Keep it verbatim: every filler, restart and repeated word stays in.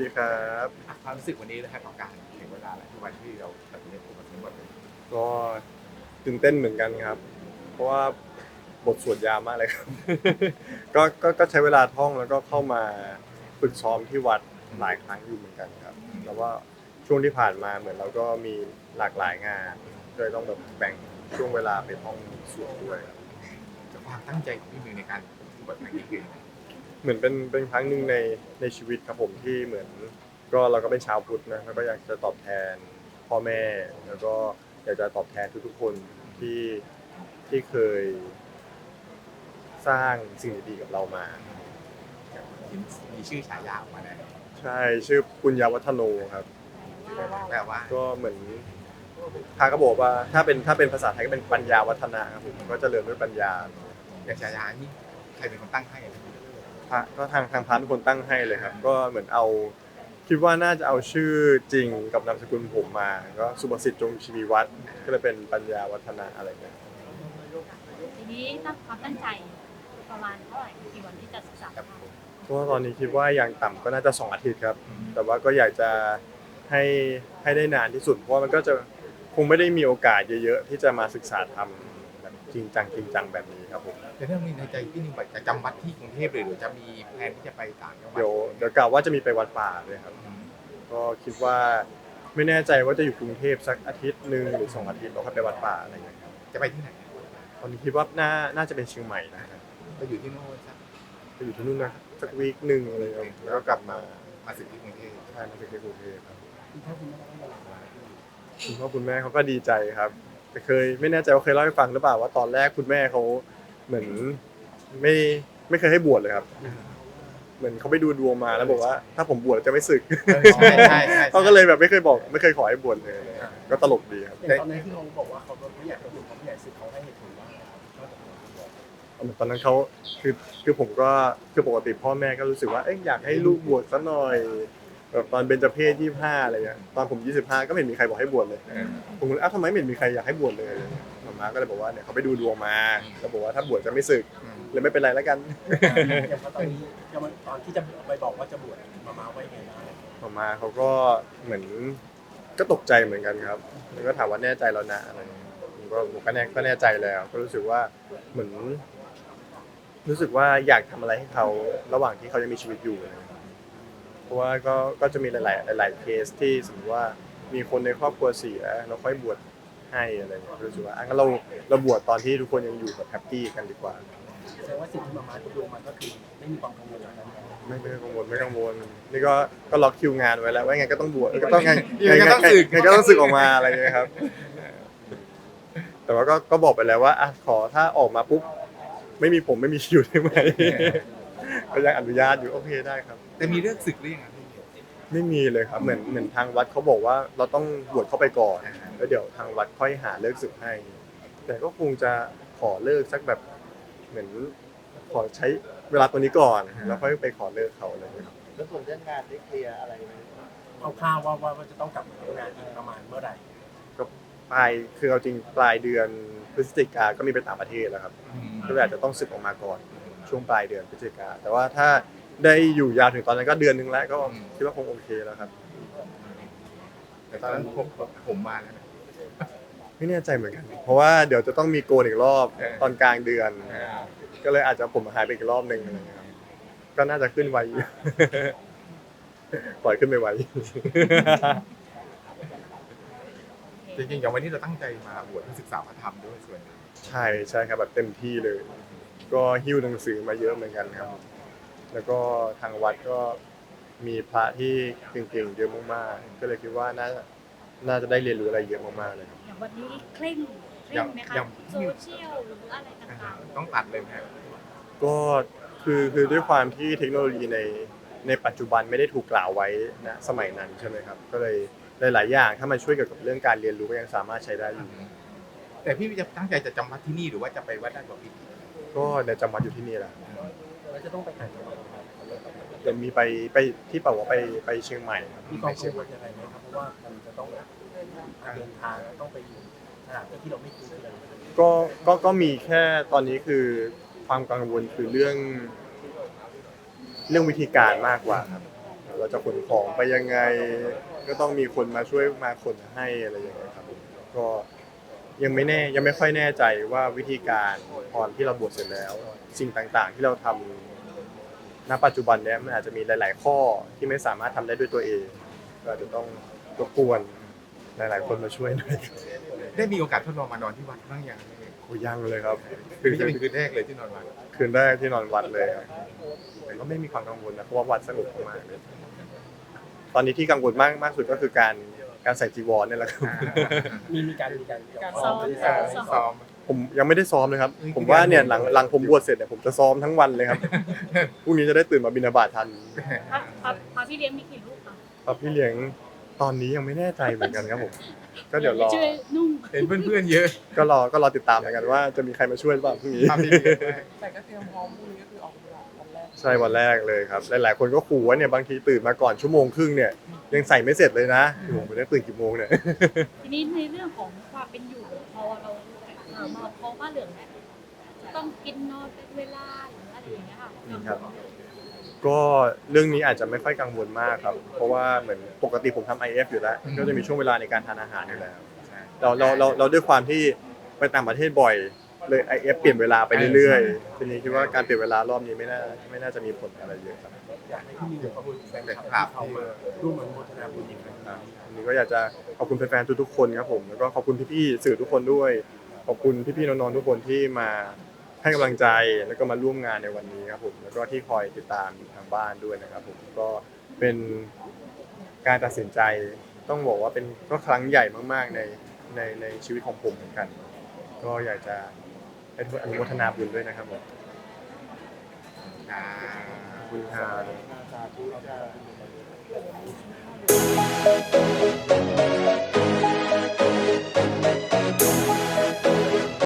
ครับความรู้สึกวันนี้นะครับกับการถึงเวลาแล้วที่วันที่เราตัดสินใจพูดมาทั้งหมดเลยก็ตื่นเต้นเหมือนกันครับ เพราะว่าบทสวดยาวมากเลยครับ ก็ก็ก็ใช้เวลาท่องแล้วก็เข้ามาฝึกซ้อมที่วัดหลายครั้งอยู่เหมือนกันครับแล้วว่าช่วงที่ผ่านมาเหมือนเราก็มีหลากหลายงานก็เลยต้องแบบแบ่งช่วงเวลาไปท่องสวดด้วยครับกับความตั้งใจของพี่มิวในการพูดบทเพลงนี้คือยังไงเหมือนเป็นเป็นครั้งหนึ่งในในชีวิตครับผมที่เหมือนก็เราก็เป็นชาวพุทธนะแล้วก็อยากจะตอบแทนพ่อแม่แล้วก็อยากจะตอบแทนทุกๆคนที่ที่เคยสร้างสิ่งดีๆกับเรามามีชื่อฉายาออกมาแล้วใช่ชื่อปุญญาวัฒโนครับแปลว่าก็เหมือนพระก็บอกว่าถ้าเป็นถ้าเป็นภาษาไทยก็เป็นปัญญาวัฒนะครับผมก็เจริญด้วยปัญญาอย่างฉายานี่ใครเป็นคนตั้งให้อะพระก็ทางทางพระทุกคนตั้งให้เลยครับก็เหมือนเอาคิดว่าน่าจะเอาชื่อจริงกับนามสกุลผมมาก็สุภสิทธิ์จงชีวีวัฒน์ก็เลยเป็นปัญญาวัฒนะอะไรเงี้ยทีนี้ตั้งความตั้งใจประมาณเท่าไหร่กี่วันที่จะศึกษาครับธรรมเพราะว่าตอนนี้คิดว่าอย่างต่ำก็น่าจะสองอาทิตย์ครับแต่ว่าก็อยากจะให้ให้ได้นานที่สุดเพราะว่ามันก็จะคงไม่ได้มีโอกาสเยอะๆที่จะมาศึกษาธรรมแบบจริงจังจริงจังแบบนี้ครับผมแต่เรื่องนี้ในใจพี่นิวจะจำวัดที่กรุงเทพหรือจะมีแผนที่จะไปต่างจังหวัดเดี๋ยวเดี๋ยวกล่าวว่าจะมีไปวัดป่าเลยครับก็คิดว่าไม่แน่ใจว่าจะอยู่กรุงเทพสักอาทิตย์หนึ่งหรือสองอาทิตย์เราค่อยไปวัดป่าอะไรอย่างเงี้ยครับจะไปที่ไหนตอนนี้คิดว่าน่าน่าจะเป็นเชียงใหม่นะครับไปอยู่ที่โน่นสักไปอยู่ที่นู่นนะสักวีคหนึ่งอะไรอย่างเงี้ยแล้วก็กลับมามาสึกที่กรุงเทพใช่มาถึงที่กรุงเทพครับคุณพ่อคุณแม่เขาก็ดีใจครับแต่เคยไม่แน่ใจว่าเคยเล่าให้ฟังหรือเปล่าว่าตอนแรกคุณแม่เขาเหมือนไม่ไม่เคยให้บวชเลยครับเหมือนเขาไปดูดวงมาแล้วบอกว่าถ้าผมบวชจะไม่สึกใช่ใช่ใช่เขาก็เลยแบบไม่เคยบอกไม่เคยขอให้บวชเลยก็ตลกดีครับอย่างตอนนั้นที่เขาบอกว่าเขาไม่อยากจะบวชเขาไม่อยากศึกเขาให้เหตุผลว่าอะไรครับนอกจากบวชตอนนั้นเขาคือคือผมก็คือปกติพ่อแม่ก็รู้สึกว่าเอ้ยอยากให้ลูกบวชซะหน่อยแบบตอนเบญจเพสยี่สิบห้าอะไรเงี้ยตอนผมยี่สิบห้าก็ไม่เห็นมีใครบอกให้บวชเลยเออผมก็เลยอ้าวทำไมไม่เห็นมีใครอยากให้บวชเลยมาม่าก็เลยบอกว่าเนี่ยเขาไปดูดวงมาแล้วบอกว่าถ้าบวชจะไม่สึกอืมเลยไม่เป็นไรแล้วกันอย่างตอนนี้ยังมันตอนที่จะไปบอกว่าจะบวชมามาไว้ไงบ้างมาม่าเขาก็เหมือนก็ตกใจเหมือนกันครับแล้วก็ถามว่าแน่ใจแล้วนะอะไรเงี้ยผมก็ผมก็แน่ก็แน่ใจแล้วก็รู้สึกว่าเหมือน รู้สึกว่าอยากทำอะไรให้เขาระหว่างที่เขายังมีชีวิตอยู่นะครับเพราะว่าก็ก็จะมีหลาย ๆ หลาย ๆ เคสที่สมมติว่ามีคนในครอบครัวเสียเราค่อยบวชให้อะไรอย่างเงี้ยรู้สึกว่าอ่ะงั้นเราเราบวชตอนที่ทุกคนยังอยู่แบบแฮปปี้กันดีกว่าแสดงว่าสิ่งที่มามาดูมันก็คือไม่มีความกังวลอะไรนั้นไม่ไม่กังวลไม่กังวลนี่ก็ก็ล็อกคิวงานไว้แล้วว่าไงก็ต้องบวชก็ต้องไงยังไงก็ต้องสึกไงก็ต้องสึกออกมาอะไรอย่างเงี้ยครับ แต่ว่าก็ก็บอกไปแล้วว่าอ่ะขอถ้าออกมาปุ๊บไม่มีผมไม่มีคิวได้ไหม ก็ยังอนุญาตอยู่โอเคได้ครับแต่มีเรื่องศึกหรือยังอ่ะพี่ไม่มีเลยครับเหมือนเหมือนทางวัดเขาบอกว่าเราต้องบวชเข้าไปก่อนแล้วเดี๋ยวทางวัดค่อยหาเลิกศึกให้ แต่ก็คงจะขอเลิกสักแบบเหมือนขอใช้เวลาตัวนี้ก่อนแล้วค่อยไปขอเลิกเขาอะไรอย่างเงี้ยครับแล้วส่วนเรื่องงานได้เคลียร์อะไรไหมเอาข้าวว่าว่าว่าจะต้องกลับมาทำงานอีกประมาณเมื่อไหร่ก็ปลายคือเอาจริงปลายเดือนพฤศจิกาก็มีไปต่างประเทศแล้วครับก็เลยอาจจะต้องสึกออกมาก่อนช่วงปลายเดือนพฤศจิกาแต่ว่าถ้าได้อยู่ยาวถึงตอนนั้นก็เดือนนึงแล้วก็คิดว่าคงโอเคแล้วครับแต่ตอนนั้นผมผมมาแล้วนะไม่แน่ใจเหมือนกัน เพราะว่าเดี๋ยวจะต้องมีโกนอีกรอบเออตอนกลางเดือนเออก็เลยอาจจะผมหายไปอีกรอบหนึ่งอะไรเงี้ยครับก็น่าจะขึ้นไวอยู่ ปล่อยขึ้นไปไวจริงๆอย่างวันนี้เราตั้งใจมาบวชเพื่อศึกษาพระธรรมด้วยส่วนหนึ่งใช่ใช่ครับแบบเต็มที่เลย ก็หิ้วหนังสือมาเยอะเหมือนกันครับ แล้วก็ทางวัดก็มีพระที่เก่งๆเยอะมากๆก็เลยคิดว่าน่าน่าจะได้เรียนรู้อะไรเยอะมากๆเลยครับอย่างวันนี้เคร่งเคร่งไหมคะโซเชียลหรืออะไรต่างๆต้องตัดเลยไหมครับก็คือคือด้วยความที่เทคโนโลยีในในปัจจุบันไม่ได้ถูกกล่าวไว้ณสมัยนั้นใช่ไหมครับก็เลยหลายๆอย่างถ้ามันช่วยเกี่ยวกับเรื่องการเรียนรู้ก็ยังสามารถใช้ได้อยู่แต่พี่จะตั้งใจจะจำวัดที่นี่หรือว่าจะไปวัดด้านกว่าพี่ก็ในจำวัดอยู่ที่นี่แหละแล้วจะต้องไปไหนต่อเดี๋ยวมีไปไปที่เป่าว่าไปไปเชียงใหม่ครับมีความกังวลยังไงไหมครับเพราะว่ามันจะต้องเดินทางต้องไปอยู่สถานที่ที่เราไม่คุ้นเคยก็ก็ก็มีแค่ตอนนี้คือความกังวลคือเรื่องเรื่องวิธีการมากกว่าครับเราจะขนของไปยังไง ก็ต้องมีคนมาช่วยมาขนให้อะไรอย่างเงี้ยครับก็ยังไม่แน่ยังไม่ค่อยแน่ใจว่าวิธีการพอที่เราบวชเสร็จแล้ว สิ่งต่างๆ ที่เราทำณปัจจุบันเนี้ยมันอาจจะมีหลาย ๆ ข้อที่ไม่สามารถทำได้ด้วยตัวเองก็อาจจะต้องรบกวนหลาย ๆ คนมาช่วยหน่อยได้มีโอกาสทดลองมานอนที่วัดบ้างยังโอ้ยังเลยครับคือจะเป็นคืนแรกเลยที่นอนวัดคืนแรกที่นอนวัดเลยครับแต่ก็ไม่มีความกังวลนะเพราะว่าวัดสงบมากเลยตอนนี้ที่กังวลมากมากสุดก็คือการการใส่จีวรเนี่ยแหละครับมีมีการมีการการซ้อมเออซ้อมผมยังไม่ได้ซ้อมเลยครับอืมผมว่าเนี่ยหลังหลังผมบวชเสร็จเนี่ยผมจะซ้อมทั้งวันเลยครับ พรุ่งนี้จะได้ตื่นมาบิณฑบาตทันพระพระพระพี่เลี้ยงมีกี่ลูกคะครับพี่เลี้ยงตอนนี้ยังไม่แน่ใจเหมือนกันครับผม ก็เดี๋ยวรอช่วยนุ่งเห็นเพื่อนๆเยอะก็รอก็รอติดตามเหมือนกันว่าจะมีใครมาช่วยหรือเปล่าพรุ่งนี้ทำดีๆด้วยแต่ก็เตรียมพร้อมพรุ่งนี้ก็คือออกกำลังวันแรกใช่วันแรกเลยครับหลายๆคนก็ขู่ว่าเนี่ยบางทีตื่นมาก่อนชั่วโมงครึ่งเนี่ยยังใส่ไม่เสร็จเลยนะผมไม่ได้ตื่นกี่โมงเนี่ยทีนี้ในเรื่องของความเป็นอยู่พอเราเอ่อมาเพราะว่าเหลืองเนี่ยจะต้องกินนอนเป็นเวลาหรืออะไรอย่างเงี้ยค่ะครับ ก็เรื่องนี้อาจจะไม่ค่อยกังวลมากครับ เพราะว่าเหมือนปกติผมทำ ไอ เอฟ อยู่แล้ว ก็จะมีช่วงเวลาในการทานอาหารอยู่แล้ว เราเราเราเราด้วยความที่ไปต่างประเทศบ่อยเลย ไอ เอฟ เปลี่ยนเวลาไปเรื่อยๆทีนี้คิดว่าการเปลี่ยนเวลารอบนี้ไม่น่าไม่น่าจะมีผลอะไรเยอะครับอยากให้พี่มีขอบคุณแฟนคครัลับบ ที่เขามาร่วมอนุโมทนาบุญอีกครั้งครับวันนี้ก็อยากจะขอบคุณแฟนๆทุกๆคนครับผมแล้วก็ขอบคุณพี่ๆสื่อทุกคนด้วย ขอบคุณพี่ๆน้องๆทุกคนที่มาให้กำลังใจแล้วก็มาร่วมงานในวันนี้ครับผมแล้วก็ที่คอยติดตามอยู่ทางบ้านด้วยนะครับผมก็เป็นการตัดสินใจต้องบอกว่าเป็นก็ครั้งใหญ่มากๆในในในชีวิตของผมเหมือนกัน ก็อยากจะให้ทุกคนอนุโมทนาบุญด้วยนะครับผมอ่าขอบคุณครับสาธุจ้า